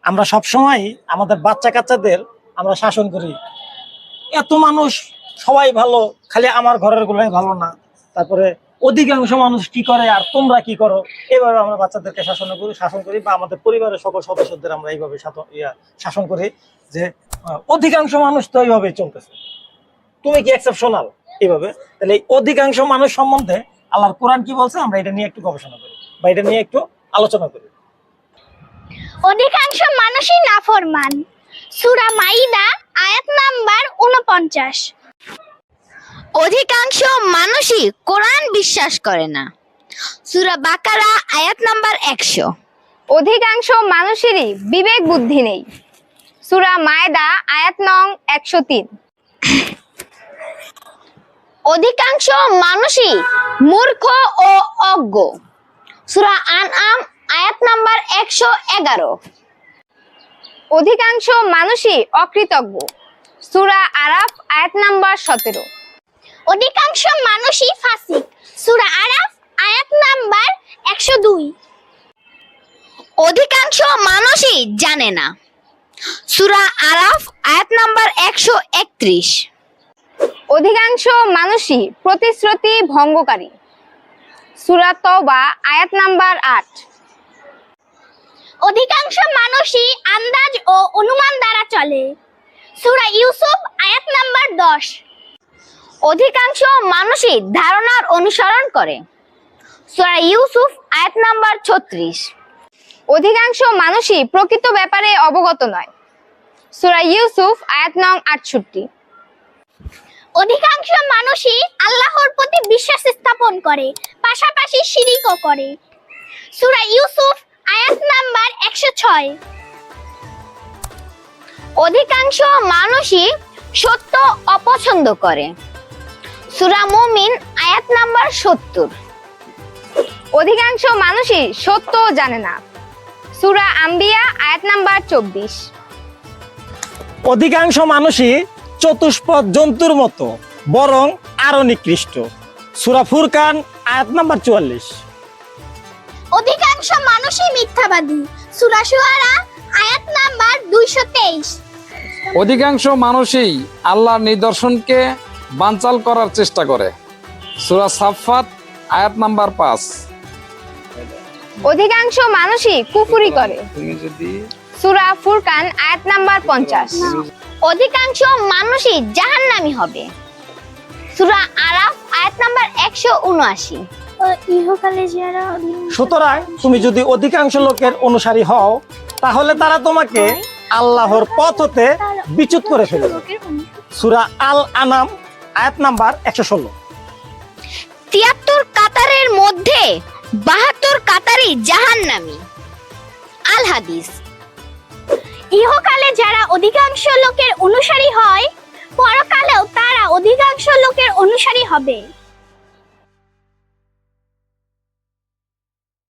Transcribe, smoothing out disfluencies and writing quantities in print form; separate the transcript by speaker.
Speaker 1: আমরা সব সময় আমাদের বাচ্চা কাচ্চাদের আমরা শাসন করি, এত মানুষ সবাই ভালো, খালি আমার ঘরের গুলাই ভালো না, তারপরে অধিকাংশ মানুষ কি করে আর তোমরা কি করো, এইভাবে আমরা বাচ্চাদেরকে শাসন করি বা আমাদের পরিবারের সকল সদস্যদের আমরা এইভাবে শাসন করি যে অধিকাংশ মানুষ তো এইভাবে চলতেছে, তুমি কি এক্সেপশনাল এইভাবে। তাহলে এই অধিকাংশ মানুষ সম্বন্ধে আল্লাহর কোরআন কি বলছে আমরা এটা নিয়ে একটু গবেষণা করি বা এটা নিয়ে একটু আলোচনা করি।
Speaker 2: অধিকাংশ মানুষই নাফরমান। সূরা মাইদা আয়াত নাম্বার ৪৯।
Speaker 3: অধিকাংশ মানুষই কোরআন বিশ্বাস করে না। সূরা বাকারা আয়াত নাম্বার ১০০।
Speaker 4: অধিকাংশ মানুষেরই বিবেক বুদ্ধি নেই। সূরা মায়দা আয়াত নং ১০৩।
Speaker 3: অধিকাংশ মানুষই মূর্খ ও অজ্ঞ। সূরা আনআম আয়াত নাম্বার ১১১।
Speaker 4: অধিকাংশ মানুষই অকৃতজ্ঞ। সূরা আরাফ আয়াত নাম্বার ১৭।
Speaker 2: অধিকাংশ মানুষই ফাসিক। সূরা আরাফ আয়াত নাম্বার ১০২।
Speaker 3: অধিকাংশ মানুষই জানে না। সূরা আরাফ আয়াত নাম্বার ১৩১।
Speaker 4: অধিকাংশ মানুষই প্রতিশ্রুতি ভঙ্গকারী। সূরা তওবা আয়াত নাম্বার ৮।
Speaker 2: অধিকাংশ মানুষই আন্দাজ ও অনুমান দ্বারা চলে। সূরা ইউসুফ আয়াত নাম্বার ১০।
Speaker 3: অধিকাংশ মানুষই ধারণার অনুসরণ করে। সূরা ইউসুফ আয়াত নাম্বার ৩৬।
Speaker 4: অধিকাংশ মানুষই প্রকৃত ব্যাপারে অবগত নয়। সূরা ইউসুফ আয়াত নং ৬৮।
Speaker 2: অধিকাংশ মানুষই আল্লাহর প্রতি বিশ্বাস স্থাপন করে, পাশাপাশি শিরকও করে। সূরা ইউসুফ আয়াত নাম্বার ১০৬।
Speaker 3: অধিকাংশ মানুষই সত্য অপছন্দ করে। সূরা মুমিন আয়াত নাম্বার ৭০।
Speaker 4: অধিকাংশ মানুষই সত্য জানে না। সূরা আম্বিয়া আয়াত নাম্বার ২৪।
Speaker 1: অধিকাংশ মানুষই চতুষ্পদ জন্তুর মতো, বরং আরো নিকৃষ্ট। সূরা ফুরকান আয়াত নাম্বার ৪৪।
Speaker 2: অধিকাংশ মানুষই মিথ্যাবাদী। সূরা শুআরা আয়াত নাম্বার ২২৩।
Speaker 5: অধিকাংশ মানুষই আল্লাহর নিদর্শনকে বানচাল করার চেষ্টা করে। সূরা সাফফাত আয়াত নাম্বার ৫।
Speaker 4: অধিকাংশ মানুষই কুফরি করে। সূরা ফুরকান আয়াত নাম্বার ৫০।
Speaker 3: অধিকাংশ মানুষই জাহান্নামী হবে। সূরা আরাফ আয়াত নাম্বার ১৭৯।
Speaker 2: ইহকালে যারা
Speaker 1: সুতরাং তুমি যদি অধিকাংশ লোকের অনুসারী হও, তাহলে তারা তোমাকে আল্লাহর পথ হতে বিচ্যুত করে ফেলবে। সূরা আল আনাম আয়াত নাম্বার ১১৬।
Speaker 3: ৭৩ কাতারের মধ্যে ৭২ কাতারই জাহান্নামী। আল হাদিস।
Speaker 2: ইহকালে যারা অধিকাংশ লোকের অনুসারী হয়, পরকালেও তারা অধিকাংশ লোকের অনুসারী হবে।